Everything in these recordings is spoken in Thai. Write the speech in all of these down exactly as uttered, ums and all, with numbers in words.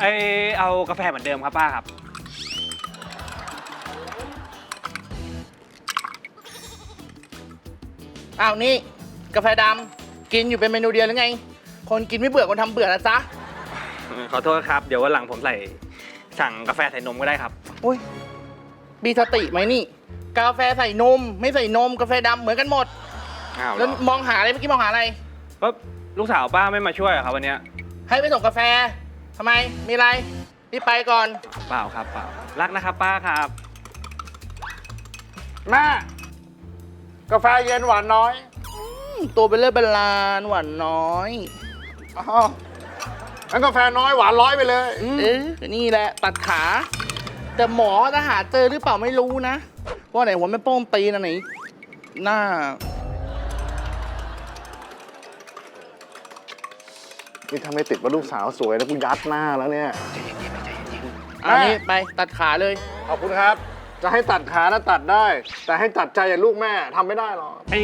ไอเอากาแฟเหมือนเดิมครับป้าครับอ้าวนี่กาแฟดำกินอยู่เป็นเมนูเดียวหรือไงคนกินไม่เบื่อคนทำเบื่อนะจ๊ะขอโทษครับเดี๋ยววันหลังผมใส่สั่งกาแฟใส่นมก็ได้ครับอุ้ยมีสติไหมนี่ กาแฟใส่นมไม่ใส่นมกาแฟดำเหมือนกันหมดอ้าวเหรแล้วอมองหาอะไรเมื่อกี้มองหาอะไรก็ลูกสาวป้าไม่มาช่วยเหรอครับวันเนี้ยให้ไปส่งกาแฟทำไมมีอะไรรีบไปก่อนเปล่าครับเปล่ารักนะครับป้าครับแม่กาแฟเย็นหวานน้อยตัวเป็นเลือดเป็นลานหวานน้อยอ๋องั้นกาแฟน้อยหวานร้อยไปเลยเออนี่แหละตัดขา แต่หมอจะหาเจอหรือเปล่าไม่รู้นะว่าไหนหัวไม่โป้งตีนะไหนหน้านี่ถ้าไม่ติดว่าลูกสาวสวยแล้วกูยัดหน้าแล้วเนี่ยอันนี้ไปตัดขาเลยขอบคุณครับ จะให้ตัดขานะตัดได้ แต่ให้ตัดใจอย่างลูกแม่ทำไม่ได้หรอกเอ้ย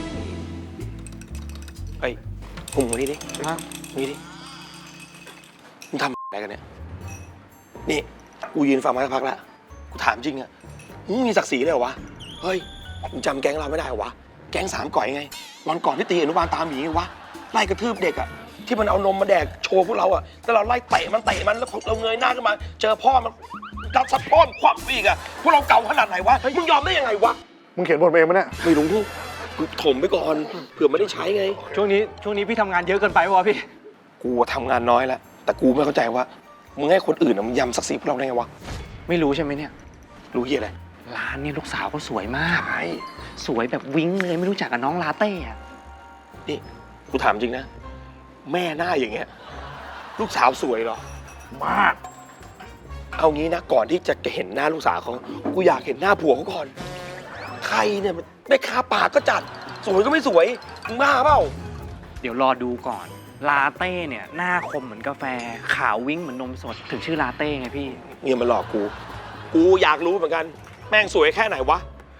เฮ้ยพุงมึงนี่ดิมึงนี่ดิมึงทำอะไรกันเนี่ย นี่ กูยืนฟังมาสักพักแล้ว กูถามจริงอะมึงมีศักดิ์ศรีเลยเหรอวะ เฮ้ย มึงจำแก๊งเราไม่ได้เหรอวะ แก๊งสามก่อยไง วันก่อนที่ตีอนุบาลตามหมีไงวะ ไล่กระทืบเด็กอะที่มันเอานมมาแดกโชว์พวกเราอะแต่เราไล่เตะมันเตะมันแล้วเราเงยหน้าขึ้นมา เจอพ่อมันกัดซัดพ่อมควักอีกอะพวกเราเก่าขนาดไหนวะ มึงยอมได้ยังไงวะมึงเขียนบทเองมั้ยเนี่ยไม่รู้กูถมไปก่อน เผื่อไม่ได้ใช้ไงช่วงนี้ช่วงนี้พี่ทำงานเยอะเกินไปวะพี่กูทำงานน้อยแล้ว แต่กูไม่เข้าใจว่า มึงให้คนอื่นมันยำศักดิ์ศรีพวกเราได้ไงวะไม่รู้ใช่ไหมเนี่ยรู้เหี้ยอะไรร้านเนี่ยลูกสาวก็สวยมากใช่สวยแบบวิ้งเลยไม่รู้จักกับน้องลาเต้อะนี่กูถามจริงนะ แม่หน้าอย่างเงี้ย ลูกสาวสวยเหรอมากเอางี้นะ ก่อนที่จะเห็นหน้าลูกสาวเขากูอยากเห็นหน้าผัวเขาก่อน ใครเนี่ยมันได้คาปากก็จัด สวยก็ไม่สวย มึงบ้าเปล่าเดี๋ยวรอดูก่อนลาเต้เนี่ยหน้าคมเหมือนกาแฟขาววิ้งเหมือนนมสดถึงชื่อลาเต้ไงพี่เงียมันหลอกกู กูอยากรู้เหมือนกัน แม่งสวยแค่ไหนวะ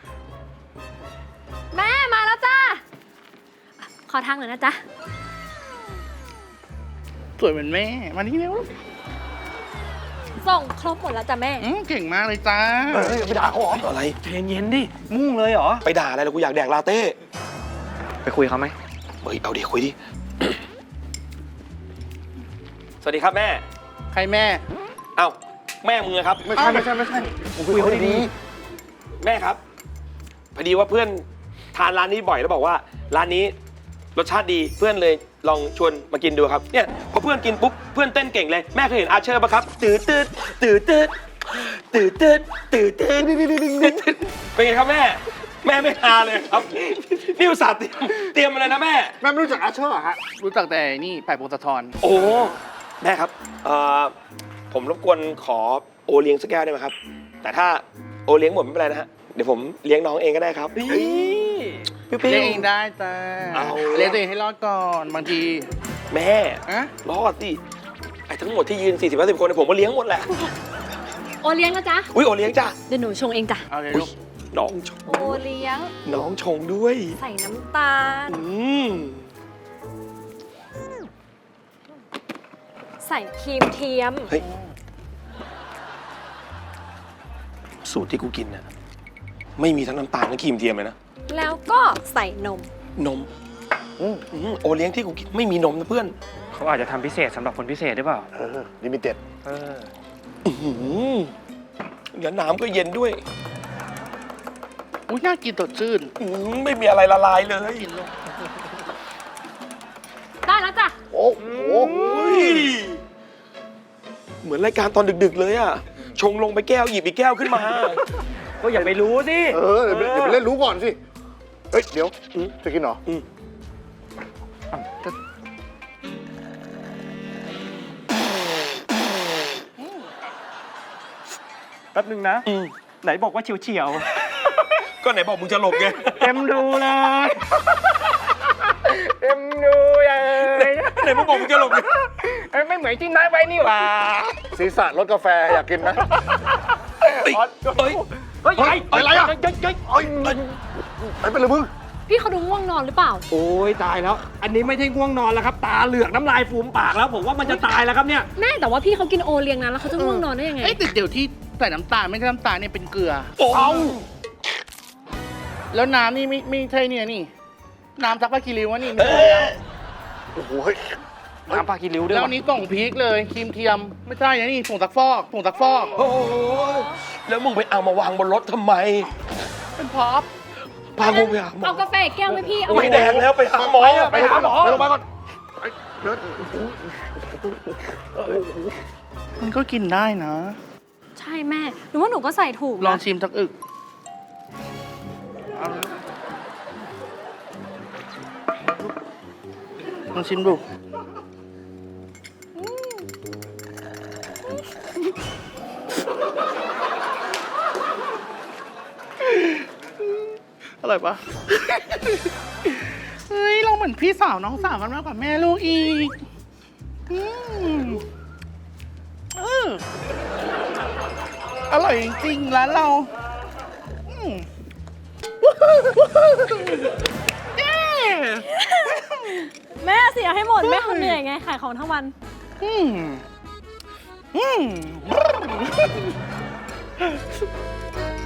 แม่มาแล้วจ้า ขอทางหน่อยนะจ๊ะสวยเหมือนแม่มานี่เร็วส่งครบหมดแล้วจ้ะแม่อืมเก่งมากเลยจ้าเฮ้ยไปด่าเขาเหรออะไรใจเย็นๆดิ มุ่งเลยเหรอไปด่าอะไรแล้วกูอยากแดกลาเต้ไปคุยเขาไหมเฮ้ย เอาดิคุยดิ สวัสดีครับแม่ใครแม่เอ้าแม่มึงอะครับไม่ใช่ไม่ใช่ไม่ใช่มึงคุยเขาดีแม่ครับ พอดีว่าเพื่อนทานร้านนี้บ่อยแล้วบอกว่าร้านนี้รสชาติดีเพื่อนเลยลองชวนมากินดูครับเนี่ยพอเพื่อนกินปุ๊บเพื่อนเต้นเก่งเลยแม่เคยเห็นอาเชอร์ปะครับตื่นตื่นตื่นตื่นตื่นตื่นตื่นตื่นเป็นไงครับแม่ แม่ไม่ฮาเลยครับนี่อุตส่าห์เตรียมเตรียมมาเลยนะแม่ๆแม่ไม่รู้จักอาเชอร์เหรอฮะรู้จักแต่นี่ไผ่พงศธรโอ้แม่ครับเอ่อผมรบกวนขอโอเลี้ยงสักแก้วได้ไหมครับ แต่ถ้าโอเลี้ยงหมดไม่เป็นไรนะฮะเดี๋ยวผมเลี้ยงน้องเองก็ได้ครับเปรี้เลี้ยงยวเองได้จ้าเอาเลี้ยงตัวเองให้รอดก่อนบางทีๆแม่อะรอดสิไอ้ทั้งหมดที่ยืน สี่สิบ ห้าสิบ คนเนี่ยผมก็เลี้ยงหมดแหละโอเลี้ยงนะจ๊ะอุ้ยโอเลี้ยงจ้ะเดี๋ยวหนูชงเองจ้ะเอาเลยอุ๊ลูยกน้องชงโอเลี้ยงน้องชงด้วยใส่น้ำตาลอืมใส่ครีมเทียมเฮ้ยสูตรที่กูกินน่ะไม่มีทั้งน้ำตาลและครีมเทียมเลยนะแล้วก็ใส่นมนมอืมอืมโอเลี้ยงที่กูกินไม่มีนมนะเพื่อนเขาอาจจะทำพิเศษสำหรับคนพิเศษหรือเปล่าเออลิมิเต็ดเอออื้อหือแล้วน้ำก็เย็นด้วยอุ้ยน่ากินสดชื่นอื้อไม่มีอะไรละลายเลยกินลูกได้แล้วจ้ะโอ้โหอุ้ยเหมือนรายการตอนดึกๆเลยอะชงลงไปแก้วหยิบอีกแก้วขึ้นมาก็อย่าไปรู้สิเออเดี๋ยวไปเดี๋ยวไปเล่นรู้ก่อนสิ เฮ้ย เดี๋ยวอืมจะกินเหรออืมแป๊บนึงนะอืมไหนบอกว่าเฉียวเฉียวก็ไหนบอกมึงจะหลบไงๆเต็มดูเลยเต็มดูเลยไหนมึงบอกมึงจะหลบไงเอ้ยไม่เหมือนที่นัดไว้นี่หว่าศีรษะรสกาแฟอยากกินไหมเฮ้ยเฮ้ยเฮ้ยเฮ้ยอะไรอะเฮ้ยเฮ้ยเฮ้ยเอ้ยไปไปเลยมึงยพี่เขาดูง่วงนอนหรือเปล่าโอ้ยตายแล้ว อันนี้ไม่ใช่ง่วงนอนแล้วครับ ตาเหลือกน้ำลายฟูมปากแล้ว ผมว่ามันจะตายแล้วครับเนี่ยแม่แต่ว่าพี่เขากินโอเลี้ยงนะแล้วเขาจะง่วงนอนได้ยังไงเอ้ยแต่เดี๋ยวที่ใส่น้ำตาลไม่ใช่น้ำตาลเนี่ยเป็นเกลือเอาแล้วน้ำนี่ไม่ไม่ใช่เนี่ยนี่ น้ำซักผ้าคีริ้ววะนี่ไม่เอ้ใช่ยแล้วโอ้โหเฮ้ยน้ำปลากิริ้วด้วยแล้ววะนี้กล่องพีคเลยครีมเทียมไม่ใช่นะนี่ผงซักฟอกผงซักฟอกโอ้ยแล้วมึงไปเอามาวางบนรถทำไมเป็นพร็อพพากูไปหาหมอเอากาแฟแก้วไหมพี่ เอาไม่แดงแล้วไปหาหมอไปหาหมอไปโรงพยาบาลก่อนมันก็กินได้นะใช่แม่ หนูว่าหนูก็ใส่ถูกลองนะชิมสักอึกเอาลองชิมดูอร่อยปะ เฮ้ย เราเหมือนพี่สาวน้องสาวกันมากกว่าแม่ลูกอีกอืมเอออร่อยจริงๆร้านเราอืมเย้แม่เสียให้หมด แม่เขาเหนื่อยไง ขายของทั้งวันอืมอืม